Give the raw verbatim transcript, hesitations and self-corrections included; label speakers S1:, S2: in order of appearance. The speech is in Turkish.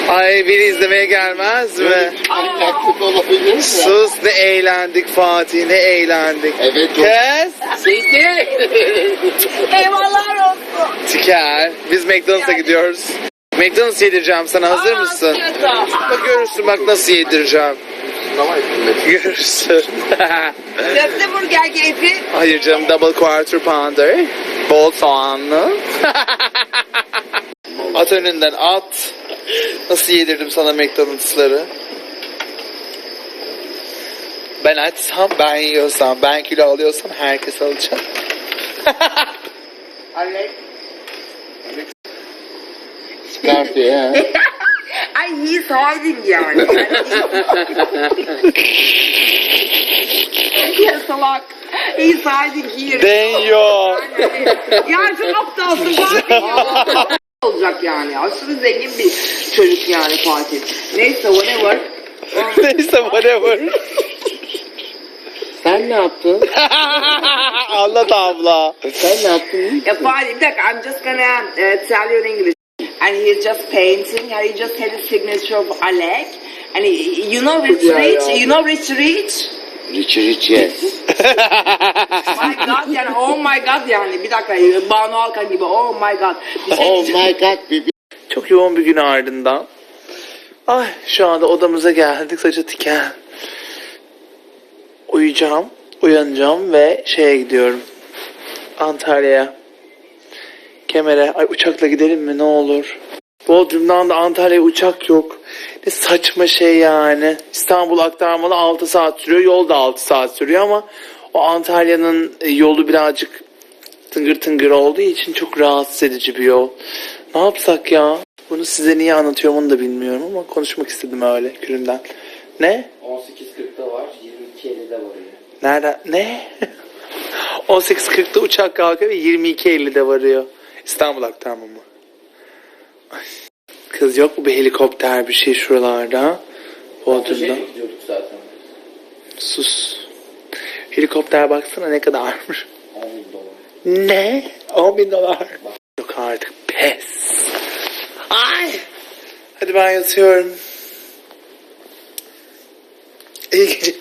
S1: Ay biri izlemeye gelmez mi?
S2: Taklit olabilir mi?
S1: Sus ne eğlendik Fatih, ne eğlendik.
S2: Evet.
S1: Kız.
S2: Seydi.
S3: Eyvallah olsun.
S1: Tiker. Biz McDonald's'a gidiyoruz. McDonald's yedireceğim sana, hazır mısın? Bak görürsün bak nasıl yedireceğim. Görürsün.
S3: Köfte burger keyfi.
S1: Hayır canım, double quarter pounder. Bol soğanlı. At önünden at. Nasıl yedirdim sana McDonald's'ları? Ben açsam, ben yiyorsam, ben kilo alıyorsam herkes alacak.
S2: Alex. Çıkarttı ya.
S3: Ay he's hiding yani. Ya salak. He's hiding here.
S1: Deniyor.
S3: Ya çok aptalsın Fatih ya. Olacak yani. Aşırı zengin bir çocuk yani Fatih. Neyse whatever.
S1: Neyse whatever.
S2: Sen ne yaptın?
S1: Anlat abla.
S2: Sen ne yaptın?
S3: Ya Fatih bir dakika. I'm just gonna uh, tell you in English. And he's just painting. And he just had a signature of Alec. And he, you know Rich
S2: Yeah,
S3: Rich?
S2: yeah.
S3: You know Rich Rich?
S2: Rich Rich yes.
S3: My God yani oh my God yani. Bir dakika Banu Alkan gibi oh my God. Bir şey
S2: Oh
S3: diyeceğim.
S2: my god baby.
S1: Çok yoğun bir gün ardından. Ay şu anda odamıza geldik, saçı tiken. Uyuyacağım, uyanacağım ve şeye gidiyorum. Antalya'ya. Kemer'e. Ay uçakla gidelim mi ne olur. Bodrum'dan da Antalya'ya uçak yok. Ne saçma şey yani. İstanbul aktarmalı altı saat sürüyor. Yol da altı saat sürüyor ama o Antalya'nın yolu birazcık tıngır tıngır olduğu için çok rahatsız edici bir yol. Ne yapsak ya? Bunu size niye anlatıyorum onu da bilmiyorum ama konuşmak istedim öyle gününden. Ne?
S2: on sekiz kırkta var, yirmi iki ellide var ya.
S1: Nerede? Ne? on sekiz kırkta uçak kalkıyor ve yirmi iki ellide varıyor. İstanbul aktarma mı? Ay. Kız yok mu bir helikopter bir şey şuralarda? Bodrum'da.
S2: Gidiyorduk zaten.
S1: Sus. Helikopter baksana ne kadarmış.
S2: on bin dolar.
S1: Ne? on bin dolar. Yok artık pes. Ay. Hadi ben yatıyorum. İyi geceler.